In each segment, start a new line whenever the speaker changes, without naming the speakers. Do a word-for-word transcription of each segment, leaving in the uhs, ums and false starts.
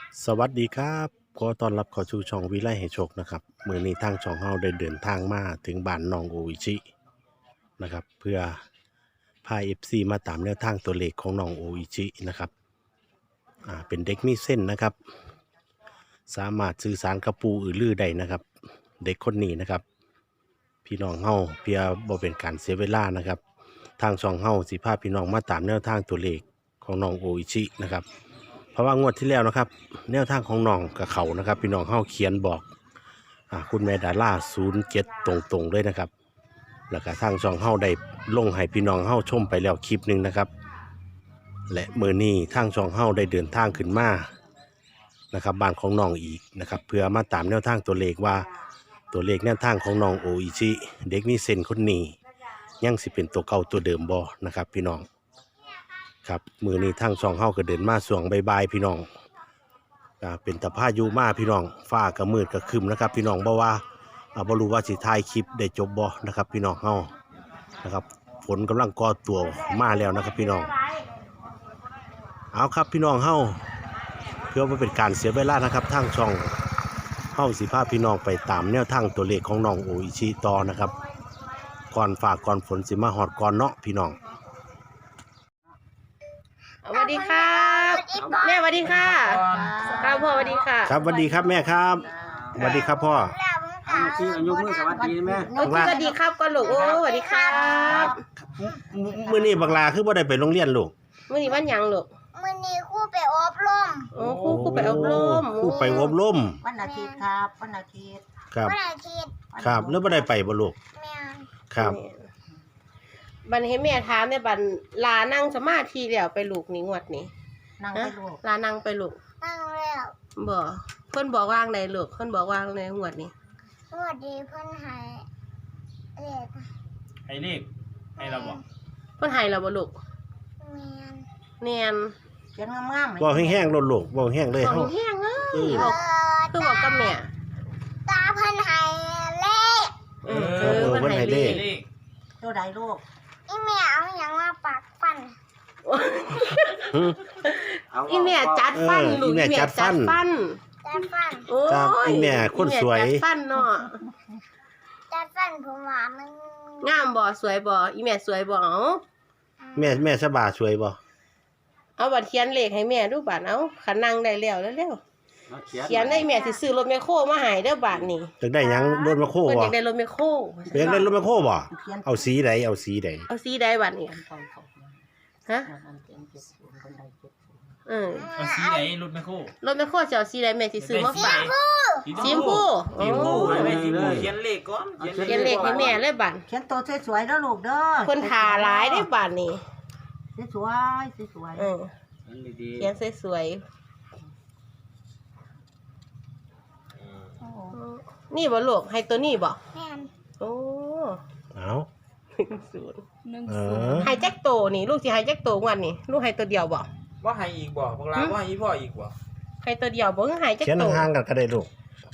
สวัสดีครับขอต้อนรับเข้าสู่ช่องวิไลให้โชคนะครับมื้อนี้ทางช่องเฮาได้เดินทางมาถึงบ้านน้องโออิชินะครับเพื่อพา เอฟ ซี มาตามแนวทางตัวเลขของน้องโออิชินะครับอ่าเป็นเด็กมีเส้นนะครับสามารถสื่อสารกับปู่อือลือได้นะครับเด็กคนนี้นะครับพี่น้องเฮาเพื่อบ่เป็นการเสียเวลานะครับทางช่องเฮาสิพาพี่น้องมาตามแนวทางตัวเลขของน้องโออิชินะครับเพราะว่างวดที่แล้วนะครับแนวทางของน้องกับเขานะครับพี่น้องเฮาเขียนบอกอ่าคุณแม่ดาราศูนย์เจ็ดตรงๆเลยนะครับแล้วก็ทางช่องเฮาได้ลงให้พี่น้องเฮาชมไปแล้วคลิปหนึ่งนะครับและมื้อนี้ทางช่องเฮาได้เดินทางขึ้นมานะครับบ้านของน้องอีกนะครับเพื่อมาตามแนวทางตัวเลขว่าตัวเลขแนวทางของน้องโออิชิเด็กมีเส้นคนนี้ยังสิเป็นตัวเก่าตัวเดิมบ่นะครับพี่น้องครับมือนี้ทางช่องเฮาก็เดินมาสวงบายๆพี่น้องอ่าเป็นตะพายุมาพี่น้องฟ้าก็มืดก็ครึมนะครับพี่น้องบ่ว่าอ่าบ่รู้ว่าสิถ่ายคลิปได้จบบ่นะครับพี่น้องเฮานะครับฝนกำลังก่อตัวมาแล้วนะครับพี่น้องเอาครับพี่น้องเฮาเพื่อบ่เป็นการเสียเวลานะครับทางช่องเฮาสิพาพี่น้องไปตามแนวทางตัวเลขของน้องโออิชิต่อนะครับก่อนฟ้าก่อนฝนสิมาฮอดก่อนเนาะพี่น้อง
สวัสดีครับแม่สวัสดีค่ะครับพ่อสวัสดีค่ะ
ครับสวัสดีครับแม่ครับสวัสดีครับพ่อ
ที่อายุมือสวัสดีแม่
โอ้สวัสดีครับก่อนลูกโอ้สวัสดีครับ
มื้อนี้บักลาคือบ่ได้ไปโรงเรียนลูก
มื้อนี้วันหยังลูก
มื้อนี้ครูไปอบรม
โอ้ครูครูไปอบรม
ครูไปอบรม
วันอาทิตย์ครับวันอาทิตย์
ครับ
วันอาทิตย์
ครับแล้วบ่ได้ไปบ่ลูก
แม่น
ครับ
บัดให้แม่ถามในบัดลานั่งสมาธิแล้วไปลูกนี่งวดนี้
นั่ง
ฮะ
ไปลูก
ลานั่งไปลูก
นั่งแล้ว
บ่เพิ่นบอกว่างใดลูกเพิ่นบอกว่างในงวดนี้
สวัสดีเพิ่นให้เลข
ให้เลขให้เราบอก
เพิ่นให้เราบ่ลูก
แม่น
แน่น
เขียนงามๆ
บ่แห้งๆลดลูกบ่แห้งเลย
ขอ
เฮา
งแห้งเอ้
เออ
ย
เอ
บอก
อ
คือบอกกับแม่
ตาเพิ่นให้เลข
เออเออเพิ่นให้เลข
เลข
ตัวใดลูก
อีแม่เอาหยังมาปักฟัน
หึ
อีแม่จัดฟัน
เออ
ลูก
อีแม่จัดฟัน
ฟัน
จัดฟัน
โอ้
ครับ
ย
อีแม่คนสวย
อีแม่จัดฟันเนาะ
จัดฟันผมว่ามัน
งามบ่สวยบ่อีแม่สวยบ่เอา
แม่แม่สบาสวยบ่
เอาบัตรเขียนเลขให้แม่ดูบัดเอาขันนั่งได้แล้วแล้วเร็วๆเขียนได้แม่สิซื้อรถแมคโครมาให้เด้อบาดนี้
อยากได้หยังรถมาโค
เพิ่นอ
บ่
ยากได้รถแมคโคร
อยากได้รถมาโคบ่เอาสีใดเอาสีใด
เอาสีใดบัดนี้ฮะเออ
เอาสีไหนรถแมคโคร
รถแมคโครจะเอาสีใดแม่สิซื้อมาฝาก
สี
สีชมพูโอ้
สีชมพูไว้สีชมพูเขียนเลขก่อน
เขียนเลขให้แม่เลยบัด
เขียนตัวสวยๆแล้วลูกเด้อ
เพิ่นทาหลายได้บัดนี้
สวยๆสวย
เออ
ดี
เขียนสวย
ๆโอ้
ๆนี่บ่ลูกให้ตัวนี้บ่
แม่น
โอ้
เอา
ศูนย์
เออ
ให้แจ็คโตนี่ลูกสิให้แจ็คโตงวันนี่ลูกให้ตัวเดียวบ่
ว่าให้อีกบ่พวกเราว่าให้พ่ออีกบ่
ให้ตัวเดียวบ่คือให้แจ็ค
เขียน
โต
ห่างๆกันก็ได้ลูก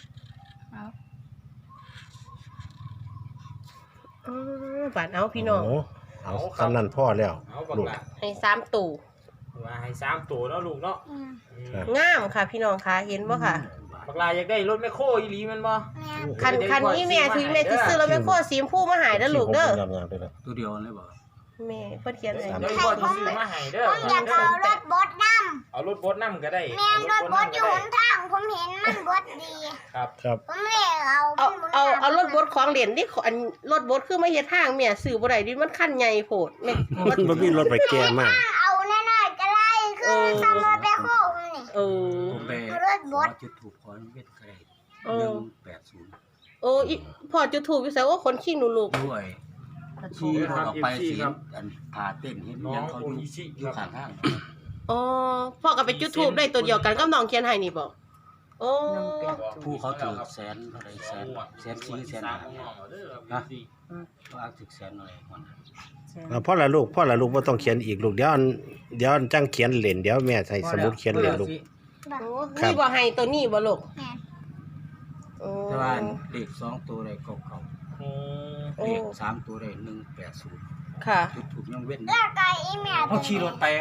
เออบาดเอาพี่น้อง
โเอาคำนั้นพ่อแล้ว
เอาบัก
ลูก
ละ
ให้สามตู่
ว่าให้สามตัวเนาะลูกเนาะ
แม่น
อืม
ครับ
งามค่ะ พี่น้องค่ะเห็นบ่ค่ะ
บักลาอยากได้รถแมคโครอีหลีแมันบ่
แม่น
คันคันนี้แม่ถึงแม่สิซื้อรถแมคโครสีชมพูมาให้เด้อลูกเด้อ
งามๆเลยนะ
ตัวเดียวเลยบ่
แม่เพิ่นเขียนให้
เดี๋ยวพ่อจะซื้อมาให้เด้อ
ผมอยากเอารถบดนำ
เอารถบดนำก็ได้
แม่นรถบดอยู่หนทางผมเห็นมันบดดี
ครับ
ครับ
ผมเลยเอา
เอา
มันบด
เอา
น้ำ
เอารถบดของเหรียญนี่อันรถบดคือมาเฮ็ดทางแม่ซื้อบ่ได้ดิมันคันใหญ่โพดแม่
มันบ่มีรถไปแก่มาก
เอาแน่ๆก็ได้คือทำรถแบคโฮมันนี่
เออ
ผมไป
รถบ
ขอ
ด
จุดถูกขอเวทไกล
เออ
หนึ่งแปดศูนย์
โอ้อีพ่อจะถูกอยู่ไสว่าคนขี้หนูลูก
ด้วยที่รถออกไปสีอันพาเต้นเห็น
น้อ
ยัง งเขา
โอ
อยู่
อิชิ
อยู่
ครั
ข้า
บ
งทาง
อ๋อพ่อก็ไปจุดทูบได้ตัวเดียวกันกับน้องเขียนให้นี่บ่โอ้
ผู้เขาถือแสนอะไรแสนแสนสี่แสนห้าฮะเขาอ้างถึงแสนอะไรก่อนนะ
เอาพ่อละลูกพ่อละลูกบ่ต้องเขียนอีกลูกเดี๋ยวอันเดี๋ยวอันจังเขียนเล่นเดี๋ยวแม่ใส่สมุดเขียนเล่นลูก
โอ้
ครับ
นี่บ่ให้ตัวนี้บ่ลูก
แม่น
โอ้
แต่ว่าเลขสองตัวได้เก่า
อืม
ๆเลขสามตัวได้หนึ่งแปดศูนย์
ค่ะ
จุดถูกยังเว้น
แล้วก็อีแม่
เขาขี่รถไปอ่ะ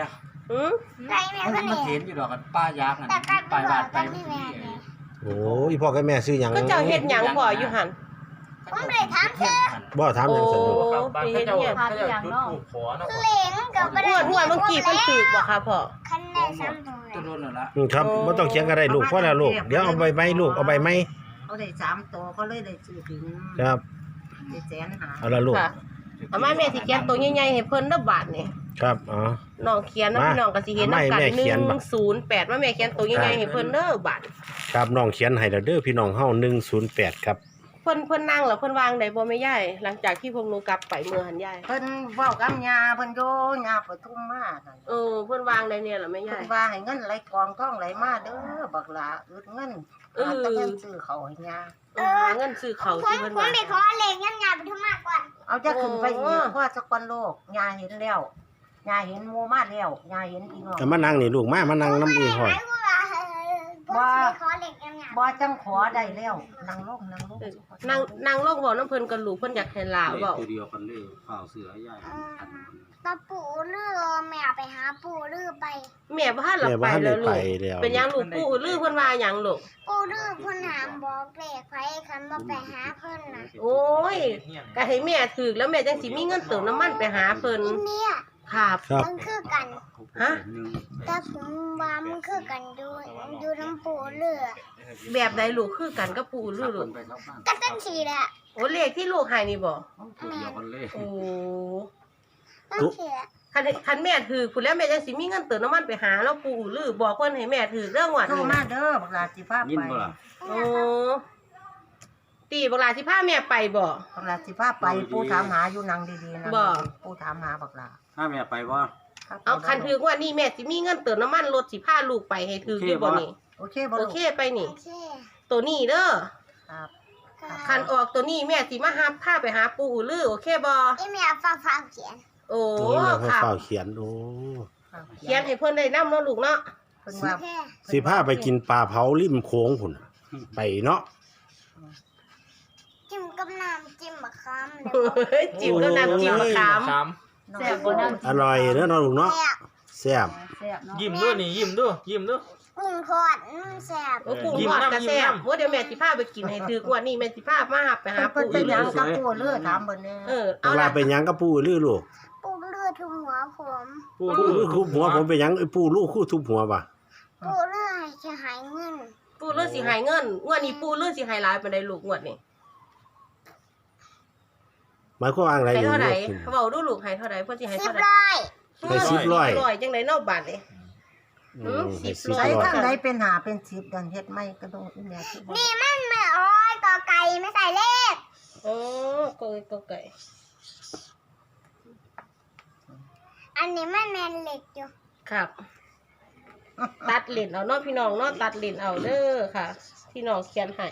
หืม
ไก่แม่
มัน
ก็
มัน
เนี่
เห็
ย
นอยู่ดอกกันป้ายากนั่น
แต่กัน
ไปบ้านไป
ไม่
มัน
แม่
สิ
เนี่ย
โอ้อีพ่อกับแม่ซื้อหยัง
ก็เจ้าเฮ็ดหยังพ่ออยู่หั่น
ผมเลยถามเธอ
บ่ถามหยังสนุก
ครับบ้านเขาเจ้าเขาเจ้าจุดถูกขอเนาะ
เหลงกับประ
อ้วนอ้วนเมื่อกี้เพิ่นถูกบ่คะพ่อ
คันได้ซ้ำตัว
ตัวโดนนั่นละ
อืมครับบ่ต้องเขียนก็ได้ลูกพอแล้วลูกเดี๋ยวเอาใบไม้ลูกเอาใบไม้
เขาได้สามตัวเขาเลยได้ซื้อถึง
ครับ
ได้แสนหา
เอาละลูก
ค่ะเอามาแม่สิเขียนตัวใหญ่ๆให้เพิ่นเด้อบาดนี่
ครับอ๋อ
น้องเขียนนะ
มา
พี่น้องก็สิเห็น
ไม่
นำกัน
แม่เขียนบ่
หนึ่งศูนย์แปดมาแม่เขียนตัวใหญ่ๆให้เพิ่นเด้อบาด
ครับน้องเขียนให้แล้วเด้อพี่น้องเฮาหนึ่งศูนย์แปดครับ
เพิ่นเพิ่นนั่งแล้วเพิ่นวางได้บ่แม่ยายหลังจากที่พวกหนูกลับไปเมื่อหันยาย
เพิ่นเว้ากับยาเพิ่นโยยาปทุมมานั่น
เออเพิ่นวางได้เนี่ยล่ะแม่
เพิ่
ยาย
นว่าให้เงินไหลกองท่องไหลมาเด้อบักหลาอึดเงิน
เออ
หาแต่เงินซื้อเขาให้ยา
เออหาเงินซื้อเขาว
ผม
ที่เพิ่น
ผม
ว่า
ไปขอเหลงงั้นงานไปทุ่มมากกว่า
เอาจะขึ้นไปอี
โอ้
กเพราะสักวันโลกยาเห็นแล้วยาเห็นหมู่มาแล้วยาเห็นพี่น้อง
แต่มานั่งนี่ลูกมามานั่งน้ำอีห้อย
ไอ้พวกเราผมไปขอเหลงงั้นงาน
บ่จังขอได้แล้วนั่งลงนั่งลง
เออนั่งนั่งลงเว้าน้ำเพิ่นกับลูกเพิ่นอยากให้หลาเว้า
ตัวเดียวกันเลยข้าวเสือใหญ่อัน
ตาปูเรือแม่ไปหาปูเรือไป
แม่บ่ทันหลับ
แม่
ไป
บ่ทันได้
แล้วลู
ไป
ก
แล้ว
เป็นหยังลูกปู่ลือเพิ่นว่าหยังลูก
ปูเรือเพิ่นหามบอกเลขไผคันบ่ไปหาเพิ่นน่ะ
โอ้ยก็ให้แม่ถูกแล้วแม่จังสิมีเงินเติมน้ำมันไปหาเพิ่น
อินเนี่ย
ครับ
ครับ
มันคือกัน
ฮะ
หนึ่ง
แต่ผมว่ามันคือกันดูดูน้ำปูเรือ
แบบใดลูกคือกันกับปู่ลื
ขั
อบ ลู
คน
ก
ไปเข้าบ้าน
ก็ตั้งสีแหละ
โอ้เลขที่ลูกให้นี่บ่
ตัวเดียวกันเลย
โอ้
ตั้งสีแหละ
คันคันแม่ถือคุณแล้วแม่จังสิมีเงินเติมน้ำมันไปหาแล้วปู่ลือบอกเพิ่นให้แม่ถือเรื่องวัด
โทร
นี่
มาเด้อบักหลาสิพา
ยิน
ไป
บ่ล่ะ
โอ้ตีบักหลาสิพาแม่ไปบ่
บักหลาสิพาไปปู่ถามหาอยู่นั่งดีๆนะ
บ่
ปู่ถามหาบักหลา
ถ้าแม่ไปบ่
ครับ
เอาคันถือว่านี่แม่สิมีเงินเติมน้ำมันรถสิพาลูกไปให้ถืออยู่บ่นี่
โอเคบ่
โอ
ลูก
เคไปนี่
โอเค
ตัวนี้เด้อ
ครับ
คันออกตัวนี้แม่สิมาหาพาไปหาปู่ลือโอเคบ่
ไอ้แม่ฟ้าฟ้าเขียน
โอ้
โอ้ยแม่
ค่ะ
เฝ้าเขียนโอ้
ครับ
เขียนให้เพิ่นได้นำเนาะลูกเนาะ
เพิ่น
โอ
ว่า
เค
สิพาไปกินปลาเผาริมโค้งพุ่นน่ะไปเนาะ
จิ้มกับน้ำจิ้มมะขามเลย
เฮ้ยจิ้มกับน้ำจิ้มมะขาม
ขาม
แซ่บบ่นั่น
อร่อยเด้อเนาะลูกเนาะ
แซ่บ
แซ่บ
แซ่บเนาะ
ยิ้มด้วยนี่ยิ้มด้วยยิ้มด้วย
กุ้งทอดอืมแซ่บ
โอ้ปู่
ยิ้ม
ทอด
น้ำ
กระแซ่
ยิ้ม
บ
น้ำ
ว่าเดี๋ยวแม่สิพาไปกินให้ถือกว่านี่แม่สิพามาหาไปหา
เพิ่น
ปู่
เป็นห
ลื
ยัง
อ
กับปู่เลือถามเบิ่นแน่
เออ
เว
เอา
ลา
ล่ะ
ไปหยังกับปู่ลือลูก
ปูเรือทุ่มหัวผม
ปู่
ปู่ลือคุบหัวผมไปหยังไอ้ปู่ลูกคู่ทุบหัวป่ะ
ปูเรือให้จะหายเงิน
ปู่ลือสิให้เงินงวดนี้ปู่ลือสิให้หลายปานใดลูกงวดนี้
หมายความว่าอะไร
ให้
นี่
เท่าใด
ลูก
เว้าดูลูกให้เท่าใดเพิ่นสิให้
สิบ
เท่าใด
ร้อย
ให้สิบร้อย
ร้อยจังไดเนาะบาทนี่
อืมให้สิบ
ใช้
ร้อย
ทางใดเป็นหาเป็นสิบดันเฮ็ดไม่ก็ต้องอีแม่ที่บ่
นี่มันไม่อ้อยกอไก่ไม่ใส่เลข
โอ้ก็ก็ไก่
อันนี้มันแมนเหล็กอยู่
ครับ ตัดเลนเอาเนาะพี่น้องเนาะตัดเลนเอาเด้อค่ะ พี่น้องเขียนให้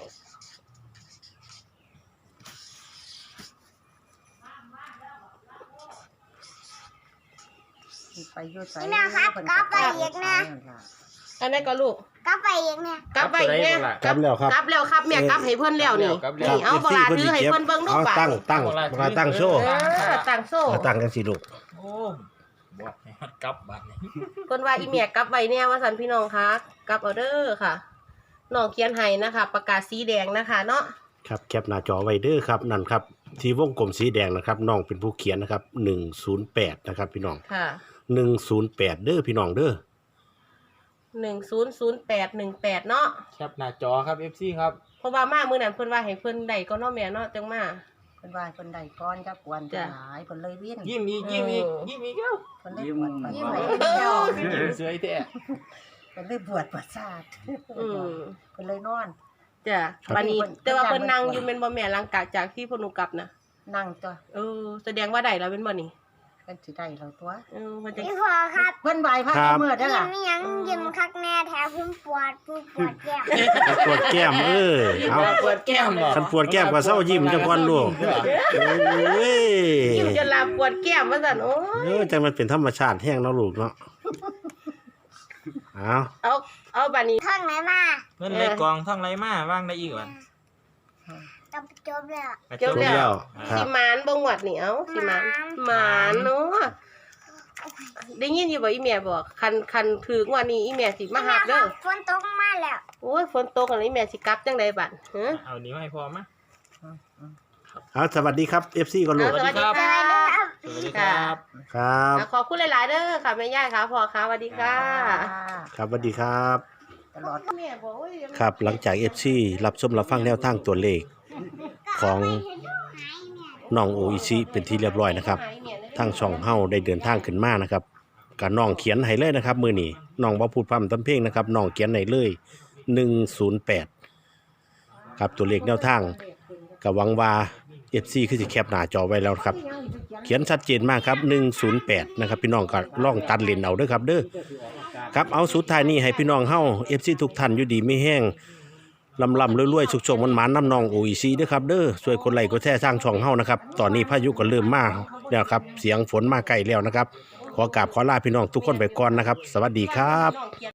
ไปอยู่ไส
นี่นะครับกลับไปอีกนะ
อันนั้นก็ลูก
กลับไปอีกเนี่ย
กลับไปอีกเนี่ย
กลับแล้วครับ
กลับแล้วครับแม่กลับให้เพิ่นแล้วนี่
ครั
นี่เอา
บ
บลาถือให้เพิ่นเบิ่งดู
เอา
ป่ะ
ตั้งตั้งเวลาตั้งโชว์
เออตั้งโซ่
เอาตั้งกันสิลูก
โอ้บอกให้มันกลับบ้านนี่
เพิ่นว่าอีแม่กลับไว้แน่ว่าซั่นพี่น้องคะกลับเอาเด้อค่ะน้องเขียนให้นะคะประกาศสีแดงนะคะเนาะ
ครับแคปหน้าจอไว้เด้อครับนั่นครับที่วงกลมสีแดงนะครับน้องเป็นผู้เขียนนะครับหนึ่งศูนย์แปดนะครับพี่น้อง
ค่ะ
หนึ่งศูนย์แปดเด้อพี่น้องเด้อ
หนึ่งศูนย์ศูนย์แปดหนึ่งแปดเนาะ
แคปหน้าจอครับ เอฟ ซี ครับ
เพราะว่ามามื้อนั้นเพิ่นว่าให้เพิ่นได้ก็เนาะแม่เนาะจังมา
เพิ่นว่าเพิ่นได้ก้อนจักกวนจะหลายเพิ่นเลยวิ่น
ยิ้มอีกยิ้มอีกยิ้มอีกแล้ว
เพิ่นเลยปวดประ
ยิ้ม
สา
ให้
ท
เดียว
ยิ้มสวยแท้
เพิ่นเลยปวดประสาท
อืม
เพิ่นเลยนอน
จ้ะบัดนี้แต่ว่าเพิ่นนั่งอยู่แม่นบ่แม่หลังจากจากที่เพิ่นหนูกลับนะ
นั่งตัว
เออแสดงว่าได้แล้วเป็นบ่นี่
เพิ่นสิได้แล้วตัว
เออมันจะ
พี่พอครับ
เพิ่นไหวพระเมื่อได้
ยิ้
ล่ะ
มยังยิ้มคักแน่แถวพุ่มปวดพุ่มปวดแก้ม
ปวดแก้มเออเอา
ปวดแก้มเหรอ
คันปวดแก้มก็เศร้ายิ้มจังก่อนลูกโอ้ย
ยิ้มจนลาปวดแก้มว่าซั่นโอ้
เออจังมันเป็นธรรมชาติแห้งเนาะลูกเนาะเอา
เอาเอาบัดนี้
ท่องไหนมา
เงินในกองท่องไรมาว่างได้อีกวัน
จบจบแล้ว
จบแล้ว
ครั
สิ
บ
หมานบ่งวดนี่เอ้าสิหมานหมานเนาะได้ยินอยู่บ่อีแม่บอกคันคันถือกว่านี้อีแม่สิมาหับเด้อ
ฝนตกมาแล้ว
โอ้ยฝนตกแล้วอีแม่สิกลับจังไดบัดฮะ
เอานี้มาให้พอมะ
เอาสวัสดีครับ เอฟ ซี ก่อนลูก
สวัสดีค่ะ
สวัสดีครับ
ครับ
อ่ะขอบคุณหลาย ๆ เด้อค่ะแม่ย่าค่ะพ่อค่ะสวัสดีค่ะ
ครับสวัสดีครับ
ตลอด
แม่บอกว่ายัง
ครับหลังจาก เอฟ ซี รับชมรับฟังแนวทางตัวเลขของน้องโออิชิเป็นที่เรียบร้อยนะครับทางช่องเฮาได้เดินทางขึ้นมานะครับกับน้องเขียนให้เลยนะครับมื้อนี้น้องบ่พูดพร่ำทำเพลงนะครับน้องเขียนให้เลยหนึ่งศูนย์แปดครับตัวเลขแนวทางก็หวังว่า เอฟ ซี คือสิแคปหน้าจอไว้แล้วครับเขียนชัดเจนมากครับหนึ่งศูนย์แปดนะครับพี่น้องก็ลองตัดเลนเอาเด้อครับเด้อครับเอาสุดท้ายนี้ให้พี่น้องเฮา เอฟ ซี ทุกท่านอยู่ดีไม่แห้งลำลำรวยๆสุกๆมันหมานน้ำนองโออีซีด้วยครับเด้อช่วยกดไลค์กดแชร์สร้างช่องเฮานะครับตอนนี้พายุก็เริ่มมาแล้วครับเสียงฝนมาใกล้แล้วนะครับขอกราบขอลาพี่น้องทุกคนไปก่อนนะครับสวัสดีครับ